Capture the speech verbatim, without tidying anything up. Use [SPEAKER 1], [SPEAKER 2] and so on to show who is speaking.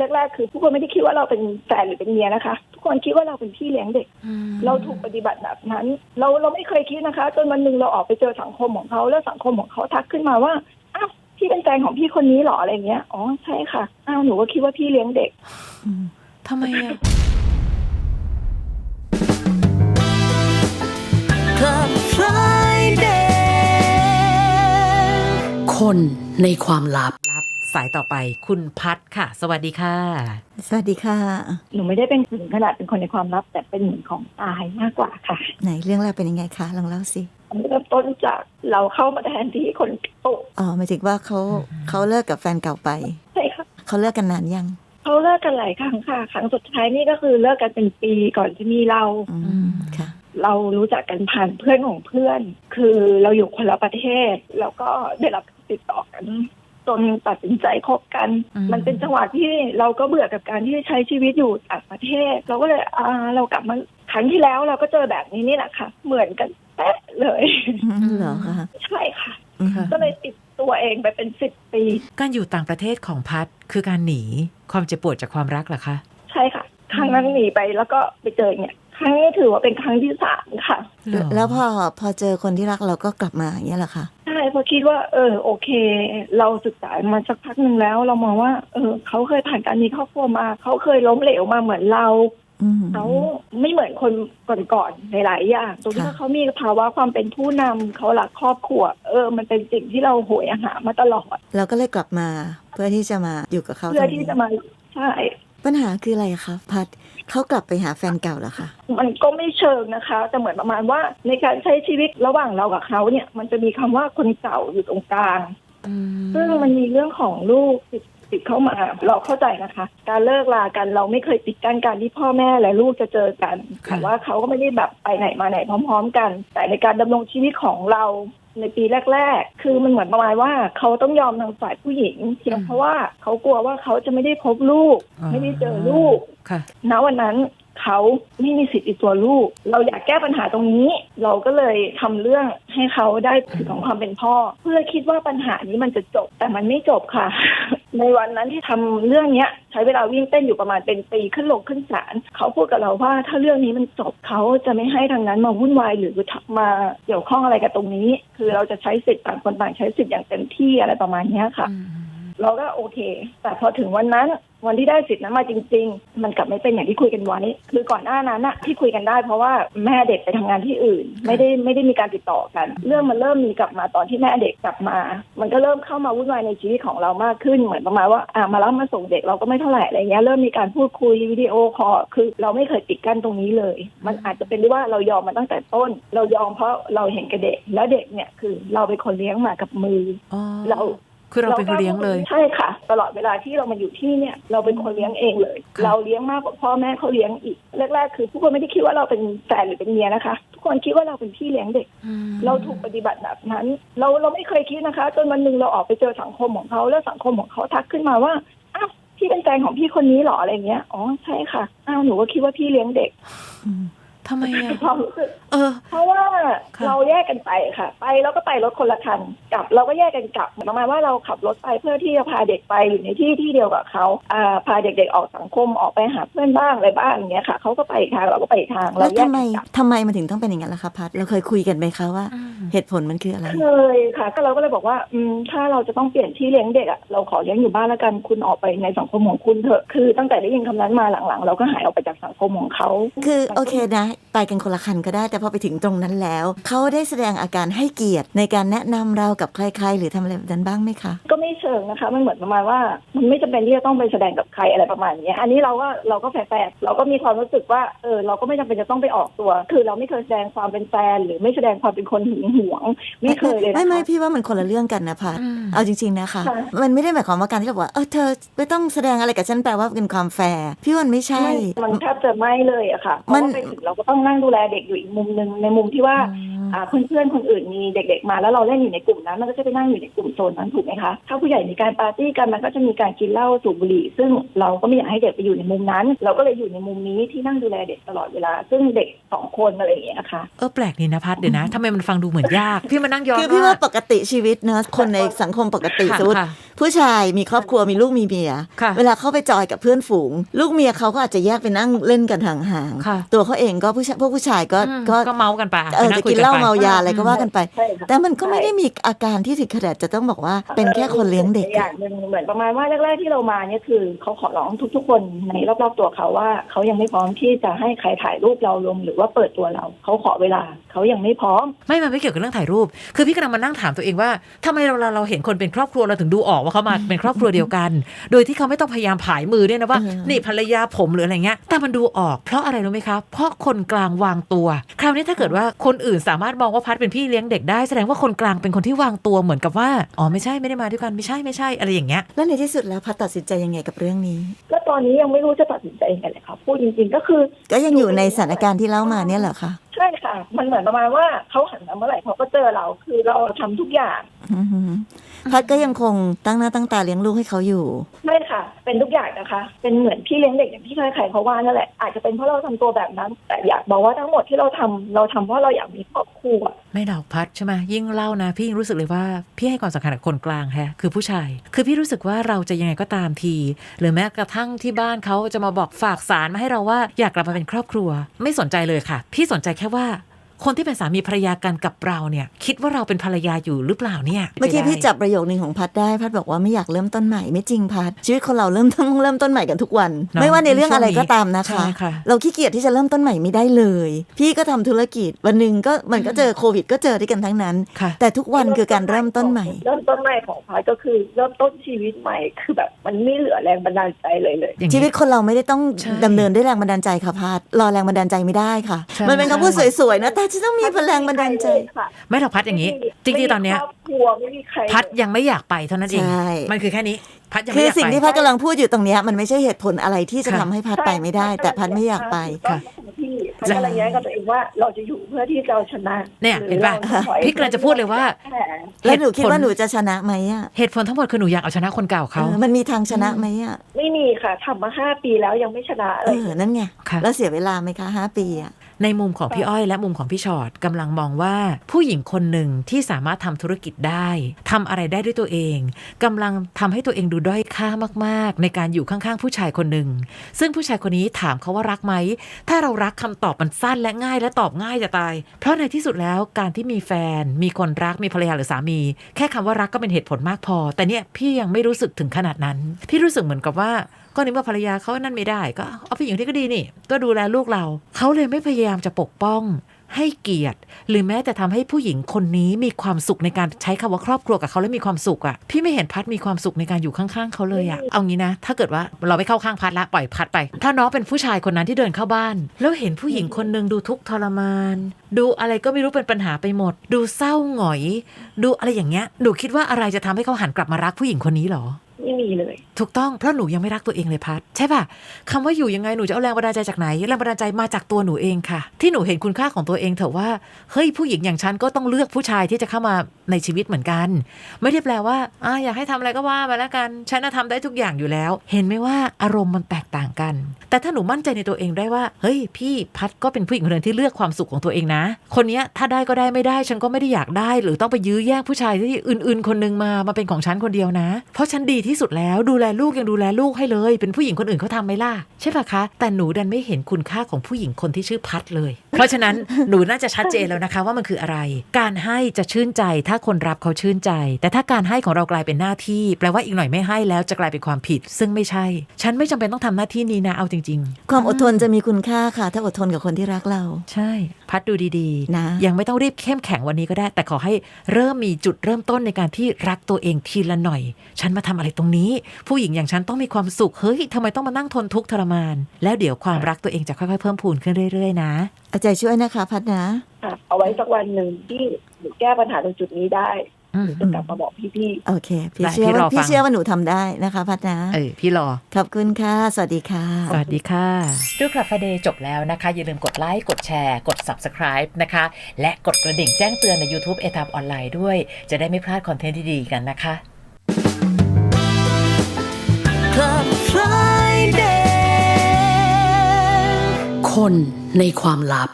[SPEAKER 1] แรกๆคือทุกคนไม่ได้คิดว่าเราเป็นแฟนหรือเป็นเมียนะคะทุกคนคิดว่าเราเป็นพี่เลี้ยงเด็กเราถูกปฏิบัติแบบนั้นเราเราไม่เคยคิดนะคะจนวันนึงเราออกไปเจอสังคมของเขาแล้วสังคมของเขาทักขึ้นมาว่าอ้าวพี่เป็นแฟนของพี่คนนี้หรออะไรเงี้ยอ๋อใช่ค่ะอ้าวหนูก็คิดว่าพี่เลี้ยงเด็ก
[SPEAKER 2] ทำไมอะ
[SPEAKER 3] Club Friday คนในความลับ
[SPEAKER 2] รับสายต่อไปคุณพัดค่ะสวัสดีค่ะ
[SPEAKER 4] สวัสดีค่ะ
[SPEAKER 1] หนูไม่ได้เป็นถึงขนาดเป็นคนในความลับแต่เป็นเหมือนของตายมากกว่าค่ะ
[SPEAKER 4] ไหนเรื่องราวเป็นยังไงคะลองเล่าสิ
[SPEAKER 1] เริ่มต้นจากเราเข้ามาแทนที่คนโต
[SPEAKER 4] อ๋อหมายถึงว่าเขาเขาเลิกกับแฟนเก่าไป
[SPEAKER 1] ใช่ค่ะ
[SPEAKER 4] เขาเลิกกันนานยัง
[SPEAKER 1] เขาเลิกกันหลายครั้งค่ะครั้งสุดท้ายนี่ก็คือเลิกกันเป็นปีก่อนจะมีเรา
[SPEAKER 4] อืมค่ะ
[SPEAKER 1] เรารู้จักกันผ่านเพื่อนของเพื่อนคือเราอยู่คนละประเทศแล้วก็ได้รับติดต่อกันจนตัดสินใจคบกันมันเป็นจังหวะที่เราก็เบื่อกับการที่ใช้ชีวิตอยู่ต่างประเทศเราก็เลยอ่าเรากลับมาครั้งที่แล้วเราก็เจอแบบนี้นี่แหละค่ะเหมือนกันแป๊ะเลย
[SPEAKER 4] เหรอคะ
[SPEAKER 1] ใช่ค่ะก็เลยติดตัวเองไปเป็นสิบปี
[SPEAKER 2] การอยู่ต่างประเทศของพัดคือการหนีความเจ็บปวดจากความรักเหรอคะ
[SPEAKER 1] ใช่ค่ะครั้งนั้นหนีไปแล้วก็ไปเจอเนี่ยครั้งนี้ถือว่าเป็นครั้งที่สามค่ะ
[SPEAKER 4] แล้วพอพอเจอคนที่รักเราก็กลับมาอย่างเงี้ยเหรอคะ
[SPEAKER 1] ใช่พอคิดว่าเออโอเคเราศึกษามาสักพักนึงแล้วเรามองว่าเออเขาเคยผ่านการมีครอบครัวมาเขาเคยล้มเหลวมาเหมือนเราเขาไม่เหมือนคนก่อนๆหลายๆอย่างตรงที่ว่าเขามีภาวะความเป็นผู้นำเขาหลักครอบครัวเออมันเป็นสิ่งที่เราโหยหามาตลอด
[SPEAKER 4] เราก็เลยกลับมาเพื่อที่จะมาอยู่กับเขา
[SPEAKER 1] เพื่อที่จะมาใช่
[SPEAKER 4] ปัญหาคืออะไรคะพัดเขากลับไปหาแฟนเก่าเหรอคะ
[SPEAKER 1] มันก็ไม่เชิงนะคะแต่เหมือนประมาณว่าในการใช้ชีวิตระหว่างเรากับเขาเนี่ยมันจะมีคำว่าคนเก่าอยู่ตรงกลางซึ่งมันมีเรื่องของลูกติดติดเข้ามาเราเข้าใจนะคะการเลิกลากันเราไม่เคยปิดกั้นการที่พ่อแม่และลูกจะเจอกันแต่ว่าเขาก็ไม่ได้แบบไปไหนมาไหนพร้อมๆกันแต่ในการดำรงชีวิตของเราในปีแรกๆคือมันเหมือนประมาณว่าเขาต้องยอมทางฝ่ายผู้หญิงเพียงเพราะว่าเขากลัวว่าเขาจะไม่ได้พบลูกไม่ได้เจอลูกณวันนั้นเขาไม่มีสิทธิ์ในตัวลูกเราอยากแก้ปัญหาตรงนี้เราก็เลยทำเรื่องให้เขาได้สิทธิของความเป็นพ่อเพื่อคิดว่าปัญหานี้มันจะจบแต่มันไม่จบค่ะ ในวันนั้นที่ทำเรื่องนี้ใช้เวลาวิ่งเต้นอยู่ประมาณเป็นปีขึ้นลงขึ้นศาลเขาพูดกับเราว่าถ้าเรื่องนี้มันจบเขาจะไม่ให้ทางนั้นมาวุ่นวายหรือมาเกี่ยวข้องอะไรกับตรงนี้คือเราจะใช้สิทธิ์ต่างคนต่างใช้สิทธิ์อย่างเต็มที่อะไรประมาณนี้ค่ะเราก็โอเคแต่พอถึงวันนั้นวันที่ได้สิทธิ์นั้นมาจริงๆมันกลับไม่เป็นอย่างที่คุยกันไว้คือก่อนหน้านั้นอะที่คุยกันได้เพราะว่าแม่เด็กไปทำงานที่อื่นไม่ได้ไม่ได้มีการติดต่อกันเรื่องมันเริ่มมีกลับมาตอนที่แม่เด็กกลับมามันก็เริ่มเข้ามาวุ่นวายในชีวิตของเรามากขึ้นเหมือนประมาณว่าอ่ามารับมาส่งเด็กเราก็ไม่เท่าไหร่อะไรเงี้ยเริ่มมีการพูดคุยวิดีโอคอลคือเราไม่เคยปิดกั้นตรงนี้เลยมันอาจจะเป็นด้วยว่าเรายอมมาตั้งแต่ต้นเรายอมเพราะเราเห็นกับเด็กแล้วเด็กเนี่ยคือเราเป็นคนเลี้ยงมากับมือเรา
[SPEAKER 2] คือเราเป็นคนเลี้ยงเลย
[SPEAKER 1] ใช่ค่ะตลอดเวลาที่เรามาอยู่ที่เนี่ยเราเป็นคนเลี้ยงเองเลยเราเลี้ยงมากกว่าพ่อแม่เขาเลี้ยงอีกแรกๆคือทุกคนไม่ได้คิดว่าเราเป็นแฟนหรือเป็นเมียนะคะทุกคนคิดว่าเราเป็นพี่เลี้ยงเด็กเราถูกปฏิบัติแบบนั้นเราเราไม่เคยคิดนะคะจนวันนึงเราออกไปเจอสังคมของเขาแล้วสังคมของเขาทักขึ้นมาว่าอ้าวพี่เป็นแฟนของพี่คนนี้หรออะไรเงี้ยอ๋อใช่ค่ะอ้าวหนูก็คิดว่าพี่เลี้ยงเด็ก
[SPEAKER 2] ทำไมอ่ะ
[SPEAKER 1] ความรู้สึกเพราะว่าเราแยกกันไปค่ะไปแล้วก็ไปรถคนละคันกลับเราก็แยกกันกลับประมาณว่าเราขับรถไปเพื่อที่จะพาเด็กไปอยู่ในที่ที่เดียวกับเขาอ่าพาเด็กๆออกสังคมออกไปหาเพื่อนบ้างอะไรบ้างอย่างเงี้ยค่ะเขาก็ไปทางเราก็ไปทาง
[SPEAKER 4] แล้วทำไมทำไมมันถึงต้องเป็นอย่างนั้นล่ะคะพัดเราเคยคุยกันไหมคะว่าเหตุผลมันคืออะไร
[SPEAKER 1] เคยค่ะก็เราก็เลยบอกว่าอืมถ้าเราจะต้องเปลี่ยนที่เลี้ยงเด็กอ่ะเราขอเลี้ยงอยู่บ้านแล้วกันคุณออกไปในสังคมของคุณเถอะคือตั้งแต่ได้ยินคำนั้นมาหลังๆเราก็หายออกไปจากสังคมของเขา
[SPEAKER 4] คือโอเคนะไปกันคนละคันก็ได้แต่พอไปถึงตรงนั้นแล้วเขาได้แสดงอาการให้เกียรติในการแนะนำเรากับใครๆหรือทำอะไรแบบนั้นบ้างไหมคะ
[SPEAKER 1] ก็ไม่เชิงนะคะมันเหมือนประมาณว่ามันไม่จำเป็นที่จะต้องไปแสดงกับใครอะไรประมาณนี้อันนี้เราก็เราก็แฝงเราก็มีความรู้สึกว่าเออเราก็ไม่จำเป็นจะต้องไปออกตัวคือเราไม่เคยแสดงความเป็นแฟนหรือไม่แสดงความเป็นคนหึงหวงไม่เคยเลยนะคะ
[SPEAKER 4] ไม่ไม่พี่ว่ามันคนละเรื่องกันนะพัดเอาจริงๆนะคะมันไม่ได้หมายความว่าการที่เราบอกว่าเออเธอไม่ต้องแสดงอะไรกับฉันแปลว่าเป็นความแฟร์พี่ว่าไม่ใช่
[SPEAKER 1] มันแทบจะไม่เลยอะค่ะเพราะว่าไปถึงเราก็ต้องนั่งดูแลเด็กอยู่อีกมุมนึงในมุมที่ว่าอ่าเพื่อนๆคนอื่นมีเด็กๆมาแล้วเราเล่นอยู่ในกลุ่มนั้นมันก็จะไปนั่งอยู่ในกลุ่มโซนนั้นถูกไหมคะถ้าผู้ใหญ่มีการปาร์ตี้กันมันก็จะมีการกินเหล้าสูบบุหรี่ซึ่งเราก็ไม่อยากให้เด็กไปอยู่ในมุมนั้นเราก็เลยอยู่ในมุมนี้ที่นั่งดูแลเด็กตลอดเวลาซึ่งเด็กสองคนอะไรอย่างเงี้ยค่ะ
[SPEAKER 2] เออแปลกนี่นะพัดเดี๋ยวนะทำไมมันฟังดูเหมือนยากพี่มานั่งย้อน
[SPEAKER 4] คือพี่ว่าปกติชีวิตเนอะคนในสังคมปกติสมมติผู้ชายมีครอบครัวมีลูกมีเมียเวลาเข้าไปจอยกับเพื่อนฝูงลูกเมียเขาก็อาจจะแยกไปนั่งเล่นกันห่างๆตัวเขาเองก็ผู้ชายพวกผู้ชายก็
[SPEAKER 2] ก็เมากันไป
[SPEAKER 4] เออจะกินเหล้าเมายาอะไรก็ว่ากันไปแต่มันก็ไม่ได้มีอาการที่ถึงขนาดจะต้องบอกว่าเป็นแค่คนเลี้ยงเด็ก
[SPEAKER 1] อย่างนึงเหมือนประมาณว่าแรกๆที่เรามาเนี่ยคือเขาขอร้องทุกๆคนในรอบๆตัวเขาว่าเขายังไม่พร้อมที่จะให้ใครถ่ายรูปเราลงหรือว่าเปิดตัวเราเขาขอเวลาเขายังไม่พร้อม
[SPEAKER 2] ไม่มันไม่เกี่ยวกับเรื่องถ่ายรูปคือพี่กำลังมานั่งถามตัวเองว่าทำไมเราเราเห็นคนเป็นครอบครัวเราถึงดูออกว่าเขามาเป็นครอบครัวเดียวกันโดยที่เขาไม่ต้องพยายามผายมือด้วยนะว่านี่ภรรยาผมหรืออะไรเงี้ยแต่มันดูออกเพราะอะไรรู้ไหมคะเพราะคนกลางวางตัวคราวนี้ถ้าเกิดว่าคนอื่นสามารถมองว่าพัดเป็นพี่เลี้ยงเด็กได้แสดงว่าคนกลางเป็นคนที่วางตัวเหมือนกับว่าอ๋อไม่ใช่ไม่ได้มาด้วยกันไม่ใช่ไม่ใช่อะไรอย่างเงี้ย
[SPEAKER 4] แล้วในที่สุดแล้วพัดตัดสินใจยังไงกับเรื่องนี้
[SPEAKER 1] ก็ตอนนี้ยังไม่รู้จะตัดสินใจยังไงเลยค่ะพูดจริงๆก็คือ
[SPEAKER 4] ก็ยังอยู่ในสถานการณ์ที่เล่ามาเนี่ยเหรอคะ
[SPEAKER 1] ใช่ค่ะมันเหมือนประมาณว่าเขาหันมาเมื่อไหร่เขาก็เจอเราคือเราทำทุกอย่าง
[SPEAKER 4] พัดก็ยังคงตั้งหน้าตั้งตาเลี้ยงลูกให้เขาอยู่
[SPEAKER 1] ไม่ค่ะเป็นทุกอย่างนะคะเป็นเหมือนพี่เลี้ยงเด็กอย่างที่ใครๆเขาว่านั่นแหละอาจจะเป็นเพราะเราทำตัวแบบนั้นแต่อยากบอกว่าทั้งหมดที่เราทำเราทำเพราะเราอยากมีครอบครัว
[SPEAKER 2] ไม่ดอกพัดใช่ไหมยิ่งเล่านะพี่รู้สึกเลยว่าพี่ให้ความสำคัญกับคนกลางแฮะคือผู้ชายคือพี่รู้สึกว่าเราจะยังไงก็ตามทีหรือแม้กระทั่งที่บ้านเขาจะมาบอกฝากสารมาให้เราว่าอยากกลับมาเป็นครอบครัวไม่สนใจเลยค่ะพี่สนใจแค่ว่าคนที่เป็นสามีภรรยากันกับเราเนี่ยคิดว่าเราเป็นภรรยาอยู่หรือเปล่าเนี่ย
[SPEAKER 4] เมื่อกี้พี่จับประโยคนึงของพัดได้พัดบอกว่าไม่อยากเริ่มต้นใหม่ไม่จริงพัดชีวิตคนเราเริ่มต้นเริ่มต้นใหม่กันทุกวันไม่ว่าในเรื่องอะไรก็ตามนะคะเราขี้เกียจที่จะเริ่มต้นใหม่ไม่ได้เลยพี่ก็ทำธุรกิจวันนึงก็มันก็เจอโควิดก็เจอด้วยกันทั้งนั้นแต่ทุกวันคือการเริ่มต้นใหม่
[SPEAKER 1] เริ่มต้นใหม่ของพัดก็คือเริ่มต้นชีวิตใหม่คือแบบมันไม่เหลือแรงบันดาลใจเลยเลย
[SPEAKER 4] ชีวิตคนเราไม่ได้ต้องดำเนินด้วยแรงบันดาลใจค่ะพัดรอแรงบันดาลใจไม่ได้ค่ะมันเป็นคำพูดสวยๆนะแต่จะต้องมีพลังบันดาลใจ
[SPEAKER 2] ไม่หรอกพัดอย่างนี้จริงๆตอนเนี้ยพัดยังไม่อยากไปเท่านั้นเองมันคือแค่นี้พัดยังไม่อยากไป
[SPEAKER 4] คือสิ่งที่พัดกำลังพูดอยู่ตรงนี้มันไม่ใช่เหตุผลอะไรที่จะทำให้พัดไปไม่ได้แต่พัดไม่อยากไป
[SPEAKER 1] ค่ะพัดกำลังแย้งกับตัวเองว่าเราจะอยู่เพื่อที่เราชนะ
[SPEAKER 2] เนี่ยเห็นป่ะพี่กำลังจะพูดเลยว่า
[SPEAKER 4] แล้วหนูคิดว่าหนูจะชนะไหมอ่ะ
[SPEAKER 2] เหตุผลทั้งหมดคือหนูอยากเอาชนะคนเก่าเขา
[SPEAKER 4] มันมีทางชนะไหมอ่ะ
[SPEAKER 1] ไม่มีค่ะทำมาห้าปีแล้วยังไม่ชนะเลย
[SPEAKER 4] เออนั่นไงแล้วเสียเวลาไหมคะห้าปีอ่ะ
[SPEAKER 2] ในมุมของพี่อ้อยและมุมของพี่ชอตกำลังมองว่าผู้หญิงคนหนึ่งที่สามารถทำธุรกิจได้ทำอะไรได้ด้วยตัวเองกำลังทำให้ตัวเองดูด้อยค่ามากๆในการอยู่ข้างๆผู้ชายคนหนึ่งซึ่งผู้ชายคนนี้ถามเขาว่ารักไหมถ้าเรารักคำตอบมันสั้นและง่ายและตอบง่ายจะตายเพราะในที่สุดแล้วการที่มีแฟนมีคนรักมีภรรยาหรือสามีแค่คำว่ารักก็เป็นเหตุผลมากพอแต่เนี่ยพี่ยังไม่รู้สึกถึงขนาดนั้นพี่รู้สึกเหมือนกับว่าก็นึกว่าภรรยาเขานั่นไม่ได้ก็เอาผู้หญิงที่ก็ดีนี่ก็ดูแลลูกเราเขาเลยไม่พยายามจะปกป้องให้เกียรติหรือแม้แต่ทำให้ผู้หญิงคนนี้มีความสุขในการใช้คำว่าครอบครัวกับเขาแล้วมีความสุขอ่ะพี่ไม่เห็นพัดมีความสุขในการอยู่ข้างๆเขาเลยอ่ะเอางี้นะถ้าเกิดว่าเราไม่เข้าข้างพัดละปล่อยพัดไปถ้าน้องเป็นผู้ชายคนนั้นที่เดินเข้าบ้านแล้วเห็นผู้หญิงคนนึงดูทุกข์ทรมานดูอะไรก็ไม่รู้เป็นปัญหาไปหมดดูเศร้าหงอยดูอะไรอย่างเงี้ยหนูคิดว่าอะไรจะทำให้เขาหันกลับมารักผู้หญิงคนนี้หรอ
[SPEAKER 1] ไม่มีเลย
[SPEAKER 2] ถูกต้องเพราะหนูยังไม่รักตัวเองเลยพัดใช่ป่ะคำว่าอยู่ยังไงหนูจะเอาแรงบันดาลใจจากไหนแรงบันดาลใจมาจากตัวหนูเองค่ะที่หนูเห็นคุณค่าของตัวเองเถอะว่าเฮ้ยผู้หญิงอย่างฉันก็ต้องเลือกผู้ชายที่จะเข้ามาในชีวิตเหมือนกันไม่ได้แปลว่าอ่าอยากให้ทำอะไรก็ว่ามาแล้วกันฉันน่ะทำได้ทุกอย่างอยู่แล้วเห็นไหมว่าอารมณ์มันแตกต่างกันแต่ถ้าหนูมั่นใจในตัวเองได้ว่าเฮ้ยพี่พัดก็เป็นผู้หญิงคนนึงที่เลือกความสุขของตัวเองนะคนนี้ถ้าได้ก็ได้ไม่ได้ฉันก็ไม่ได้อยากได้หรือต้องไปยื้อแย่งผู้ชายที่อื่นๆคนนึงมามาเป็นของฉันคนเดียวนะเพราะฉันดีที่สุดแล้วดูแลลูกยังดูแลลูกให้เลยเป็นผู้หญิงคนอื่นเขาทำไหมล่ะใช่ปะคะแต่หนูดันไม่เห็นคุณค่าของผู้หญิงคนที่ชื่อพัดเลยเพราะฉะนั้นหนูน่าจะชัดเจนแล้วนะคะว่ามันคืออะไรการให้จะชื่นใจถ้าคนรับเขาชื่นใจแต่ถ้าการให้ของเรากลายเป็นหน้าที่แปลว่าอีกหน่อยไม่ให้แล้วจะกลายเป็นความผิดซึ่งไม่ใช่ฉันไม่จำเป็นต้องทำหน้าที่นี้นะเอาจริง
[SPEAKER 4] ๆความอดทนจะมีคุณค่าค่ะถ้าอดทนกับคนที่รักเรา
[SPEAKER 2] ใช่พัดดูดีๆนะยังไม่ต้องรีบเข้มแข็งวันนี้ก็ได้แต่ขอให้เริ่มมีจุดเริ่มต้นในการที่รักตัวเองทีละหน่อยฉันมาทำอะไรตรงนี้ผู้หญิงอย่างฉันต้องมีความสุขเฮ้ยทำไมต้องมานั่งทนทุกข์ทรมานแล้วเดี๋ยวความรักตัวเองจะค่อยๆเพิ่มพูนขึ้นเรื่อยๆนะ
[SPEAKER 4] เอาใจช่วยนะคะพัดนะ
[SPEAKER 1] เอาไว้สักวันหนึ่งที่หนูแก้ปัญหาตรงจุดนี้ได้หรือจะกลับมาบอกพี่ๆ
[SPEAKER 4] โอเคพี่เชื่อว่าพี่เชื่อว่าหนูทำได้นะคะพัดนะ
[SPEAKER 2] เออพี่รอ
[SPEAKER 4] ขอบคุณค่ะสวัสดีค่ะ
[SPEAKER 2] สวัสดีค่ะดูคลับ Friday จบแล้วนะคะอย่าลืมกดไลค์กดแชร์กด Subscribe นะคะและกดกระดิ่งแจ้งเตือนใน YouTube เอ ที เอ บี ออนไลน์ด้วยจะได้ไม่พลาดคอนเทนต์ที่ดีกันนะคะ
[SPEAKER 3] Club Friday คนในความลับ